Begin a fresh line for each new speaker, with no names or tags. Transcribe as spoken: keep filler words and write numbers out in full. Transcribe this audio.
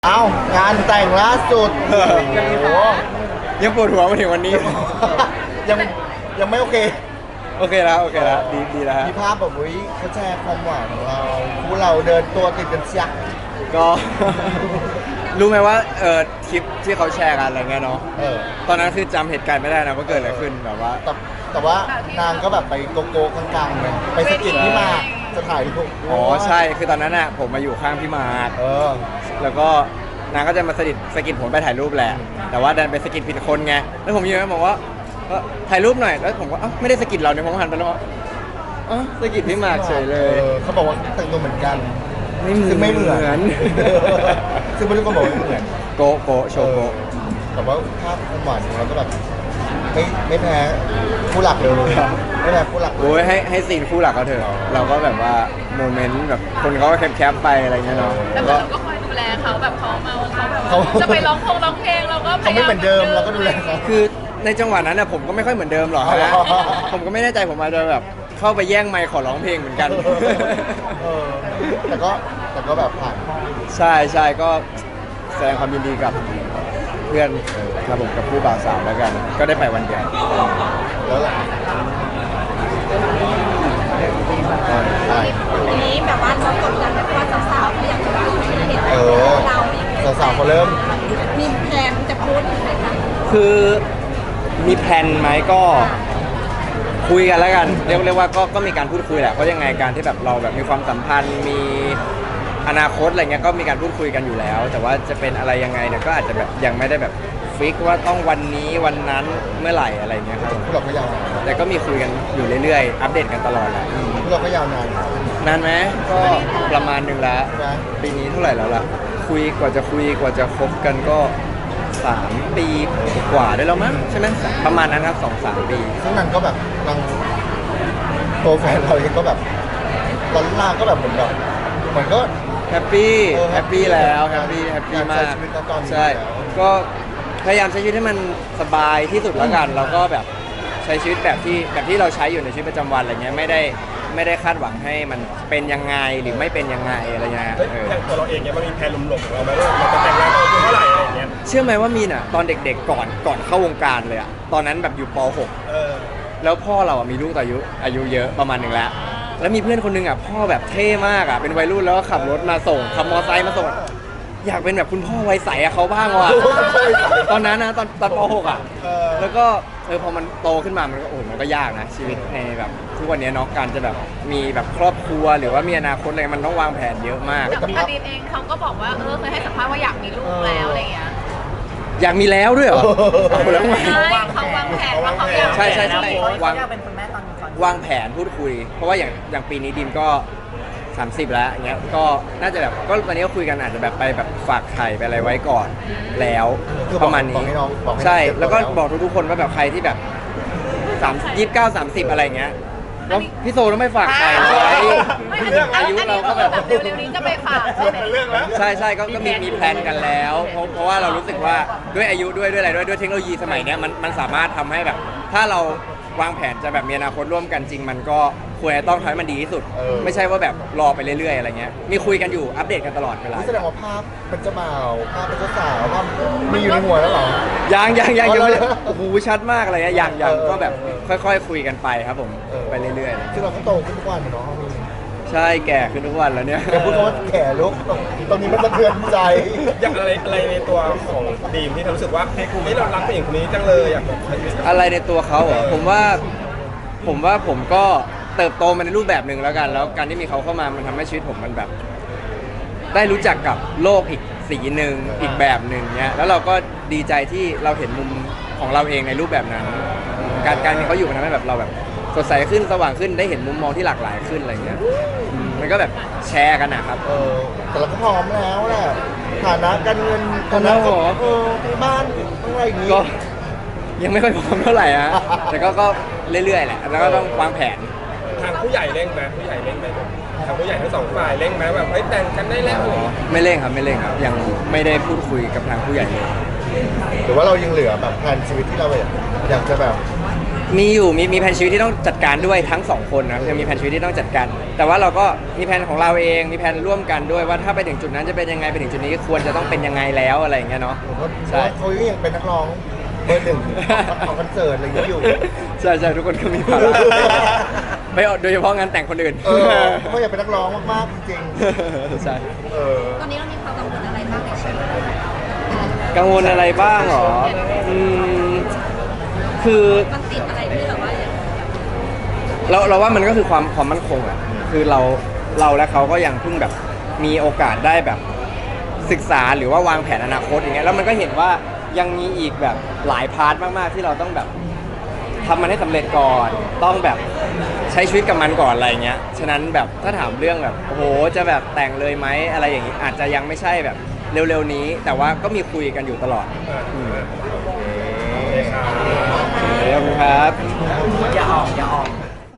เอ้างานแต่งล่าสุดโอ้โห
ยังปวดหัวมาถึงวันนี้
ยังยังไม่โอเค
โอเคแล้วโอเคแล้วดีดีแล้วฮะ
มีภาพแบบวิเขาแชร์ความหวานของเราคู่เราเดินตัวติดกันเชีย
ก็ รู้ไหมว่าเออคลิปที่เขาแชร์กันอะไรเงี้ยเนาะ
เออ
ตอนนั้นคือจำเหตุการณ์ไม่ได้นะว่าเกิดอะไรขึ้นแบบว่า
แต่แต่ว่านางก็แบบไปโกโก้กลางๆเลยไปสะกิดพี่หมากจะถ่ายรูป
อ๋อใช่คือตอนนั้นอ่ะผมมาอยู่ข้างพี่มาร์ค
เออ
แล้วก็นางก็จะมาสะกิดสะกิดผมไปถ่ายรูปแหละ แต่ว่าดันไปสะกิดผิดคนไงแล้วผมยืนบอกว่าเออถ่ายรูปหน่อยแล้วผมก็เอ้าไม่ได้สะกิดเราเนี่ยผมหันไปแล้วว่าอ๋อสะกิดพี่มาร์คเฉยเลย
ออเขาบอกว่าแต่งตัวเหมือนกัน
ไม่เหมือน
ซึ่งไม่เหมือนซึ่งไม่รู้ก็บอกว่าไม่เหมือน
โกโกโชว์โก
แต่ว่าภาพความหวานของเราก็แบบไม่ไม่แพ้ผู้หลักเลยไม่แพ้ผู้หลักเลย
โอ้ยให้ให้ซีนคู่หลักเขาเถอะเราก็แบบว่าโมเมนต์แบบคนเขาก็แคปๆไปอะไรเงี้ยเนาะ
แต่
ก็
เราก็คอยดูแลเขาแบบเขาเมาเขาแบบ
เขา
ว่าจะไปร้องเพลงร้องเพลงเราก็พ
เขา
ยายาม
ไม่เหมือนเดิมเราก็ดูแลเขา
คือในจังหวะนั้นน่ะผมก็ไม่ค่อยเหมือนเดิมหรอกนะ
อ๋อ
ผมก็ไม่แน่ใจผมอาจจะแบบเข้าไปแย่งไมค์ขอร้องเพลงเหมือนกัน
เออแต่ก็แต่ก็แบบผ่าน
ใช่ใช่ก็แสดงความยินดีกับเพื่อนครับผมกับผู้บ่าวสาวแล้วกัน ก็ได้ไปวันเดียว
แล้วแหละใช่
อันนี้แบบว่าเรากดดันไหมเพราะว่าสาวๆเขาอยากจะรู้เห็น
เออ
เรา
สาวๆเขาเริ่ม
มีแพลนจะพูดถึงไหมคะ
คือมีแผนไหมก็คุยกันแล้วกันเรียกเรียกว่าก็ก็มีการพูดคุยแหละเพราะยังไงการที่แบบเราแบบมีความสัมพันธ์มีอนาคตอะไรเงี้ยก็มีการพูดคุยกันอยู่แล้ว แต่ว่าจะเป็นอะไรยังไงเนี่ยก็อาจจะแบบยังไม่ได้แบบฟิกว่าต้องวันนี้วันนั้นเมื่อไหร่อะไรเงี้ยครับ
พวกเราก็ยาวนาน
แต่ก็มีคุยกันอยู่เรื่อยๆ อัปเดตกันตลอดแหละ
พวกเราก็ยาวนาน
นานไหมก็ประมาณหนึ่งแล้ว
ใช่ไหม
ปีนี้เท่าไหร่แล้วล่ะคุยกว่าจะคุยกว่าจะคบกันก็สามปีกว่าได้แล้วมั้งใช่ไหมประมาณนั้นครับสองสามปี
ซึ่งนางก็แบบนางตัวแฟนเราเองก็แบบตอนล่าก็แบบเหมือนแบบเหมือนก็
แฮปปี้
เออ
แฮปปี้แล้วแฮปปี้แฮปปี้
อยาก
มา
ใช้
ก
ชีวิตณตอนนี้
ใช่
แล้ว
ก็พยายามใช้ชีวิตให้มันสบายที่สุดแล้วกัน เราก็แบบใช้ชีวิตแบบที่แบบที่เราใช้อยู่ในชีวิตประจำวันอะไรเงี้ยไม่ได้ไม่ได้คาดหวังให้มันเป็นยังไงหรือไม่เป็นยังไงอะไรเงี้ย
เฮ้ย
เออ
อย่างตัวเราเองเนี่ยมันมีแพลนหลงๆของเราไหมว่าเราจะแต่งงานตอนอายุเท่าไหร่อะไรอย่างเงี้ย
เชื่อไหมว่ามีน่ะตอนเด็กๆก่อนก่อนเข้าวงการเลยอะตอนนั้นแบบอยู่ป .หก
เออ
แล้วพ่อเราอะมีลูกอายุอายุเยอะประมาณหนึ่งแล้ว แล้วมีเพื่อนคนหนึงอะพ่อแบบเท่มากอะเป็นวัยรุ่นแล้วก็ขับรถมาส่งขับมอเตอร์ไซค์มาส่ง อยากเป็นแบบคุณพ่อวัยใสอะเขาบ้างว่ะ ตอนนั้นนะตอนตอนป .หก อะ
เออ
แล้วก็เออพอมันโตขึ้นมามันก็โอ้โหมันก็ยากนะชีวิตในแบบทุกวันนี้เนาะการจะแบบมีแบบครอบครัวหรือว่ามีอนาคตอะไรมันต้องวางแผนเยอะมาก
แต่อดีตเองเขาก็บอกว่าเออเคยให้สัมภาษณ์ว่าอยากมีลูกแล้วอะไรอย่างเงี้ย
อยากมีแล้วด้วยเหรอเอาแล้วไง
ใช่เขาวางแผนว่าเขาอยาก
ใช่ใช่ใช่วาง
เป็นคุณแม่ตอนก่อน
วางแผนพูดคุย เพราะว่าอย่างอย่างปีนี้ดิมก็ สามสิบ แล้วอย่างเงี้ยก็น่าจะแบบก็วันนี้ก็คุยกันอาจจะแบบไปแบบฝากไข่ไปอะไรไว้ก่อนแล้ว
คือ
ประมาณ
บอ
นี้
กให้น้องบอกให้
ใช่
น้อง
แล้วก็
เตรียมตัว
บอกทุกๆคนว่าแบบใครที่แบบสามยี่สิบเก้าสามสิบอะไรเงี้ยแล้วพี่โซต้องไม่ฝากไข่ไว้
ไม่อันนี้
อายุเราก็แบบ
เร็วๆนี้จะไปฝากใช่ไหม
เป็นเรื่องแล้ว
ใช่ใช่ก็ก็มีมีแพลนกันแล้วเพราะเพราะว่าเรารู้สึกว่าด้วยอายุด้วยด้วยอะไรด้วยด้วยเทคโนโลยีสมัยเนี้ยมันมันสามารถทำให้แบบ ถ้าเราวางแผนจะแบบมีอนาคตร่วมกันจริง มันก็ควรจะต้องทำให้มันดีที่สุด
เออ
ไม่ใช่ว่าแบบรอไปเรื่อยๆอะไรเงี้ยมีคุยกันอยู่อัปเดตกันตลอดเวลา
นี่แสดงว่าภาพเป็นเจ้าบ่าวภาพเป็นเจ้าสาวภาพมีอยู่ในหัวแล้วเหรอ
ยังยังยังยังไม่ได้
เอาเลย
โอ้โหชัดมากอะไรเงี้ยยังยัง
เออ
ก็แบบค่อยๆคุยกันไปครับผม
เออ
ไปเรื่อย
ซึ่งเราก็โตขึ้นทุกวันเนาะมี
ๆ ใช่แก่ขึ้นทุกวันแล้วเนี่ย
อย่าพูดคำว่าแก่ลูกตรงนี้มันสะเทือนใจ
อย่างอะไรอะไรในตัวของดีมที่เรารู้สึกว่าเฮ้ยเรารักผู้หญิงคนนี้จังเลยอยากแบบใช้ชีวิตกับ
อะไรในตัวเขาเหรอผมว่าผมว่าผมก็เติบโตมาในรูปแบบหนึ่งแล้วกัน แล้วการที่มีเขาเข้ามามันทำให้ชีวิตผมมันแบบ ได้รู้จักกับโลกอีกสีหนึ่งอีกแบบหนึ่งเนี้ยแล้วเราก็ดีใจที่เราเห็นมุมของเราเองในรูปแบบนั้น การการมีเขาอยู่มันทำให้แบบเราแบบสดใสขึ้นสว่างขึ้นได้เห็นมุมมองที่หลากหลายขึ้นอะไรเงี้ยอืมมันก็แบบแชร์กันนะครับ
เออแต่เราก็พร้อมแล้วแหละฐานะการเงิน
พร้อมแล้วเหรอ
เออมีบ้านอะไรอย่างงี้
ก็ยังไม่ค่อยพร้อมเท่าไหร่ฮะแต่ก็ก็เรื่อยๆแหละแล้วก็ต้องวางแผน
ทางผู้ใหญ่เร่งไหมผู้ใหญ่เร่งไหมทางผู้ใหญ่ทั้งสองฝ่ายเร่งไหมแบบเฮ้ยแต่งกันได้แล้วอะไรอย่างเงี้ย
ไม่เร่งครับไม่เร่งครับยังไม่ได้พูดคุยกับทางผู้ใหญ่เลย
หรือว่าเรายังเหลือแบบแผนชีวิตที่เราแบบอยากจะแบบ
มีอยู่มีมีแผนชีวิตที่ต้องจัดการด้วยทั้งสองคนนะจะมีแผนชีวิตที่ต้องจัดการแต่ว่าเราก็มีแผนของเราเองมีแผนร่วมกันด้วยว่าถ้าไปถึงจุดนั้นจะเป็นยังไงไปถึงจุดนี้ควรจะต้องเป็นยังไงแล้วอะไรอย่างเงี้ยเนาะ
ผมว่า
ใช่
เขายังเป็นนักร้องเบอร์หนึ่งของคอนเสิร์ตอะไรอย่างเงี้ยอยู่
ใช่ใช่ทุกคนก็มีภาระไม่โดยเฉพาะงานแต่งคนอื่น
เออเขาอยากเป็นนักร้องมากๆจริง
ใช่
ๆเออ
ตอนนี้เรามีความกังวลอะไรบ้างในชีวิต
กังวลอะไรบ้างเหรออืมคือ
มันติดอะไรที่แบบว่า
เราเราว่ามันก็คือความความมั่นคงอะคือเราเราและเขาก็ยังเพิ่งแบบมีโอกาสได้แบบศึกษาหรือว่าวางแผนอนาคตอย่างเงี้ยแล้วมันก็เห็นว่ายังมีอีกแบบหลายพาร์ทมากๆที่เราต้องแบบทำมันให้สำเร็จก่อน ต้องแบบใช้ชีวิตกับมันก่อนอะไรเงี้ยฉะนั้นแบบถ้าถามเรื่องแบบโอ้โหจะแบบแต่งเลยไหมอะไรอย่างงี้อาจจะยังไม่ใช่แบบเร็วๆนี้ แต่ว่าก็มีคุยกันอยู่ตลอด
โอเคครับ
ขอบคุณครับ
อย่าออกอย่าออก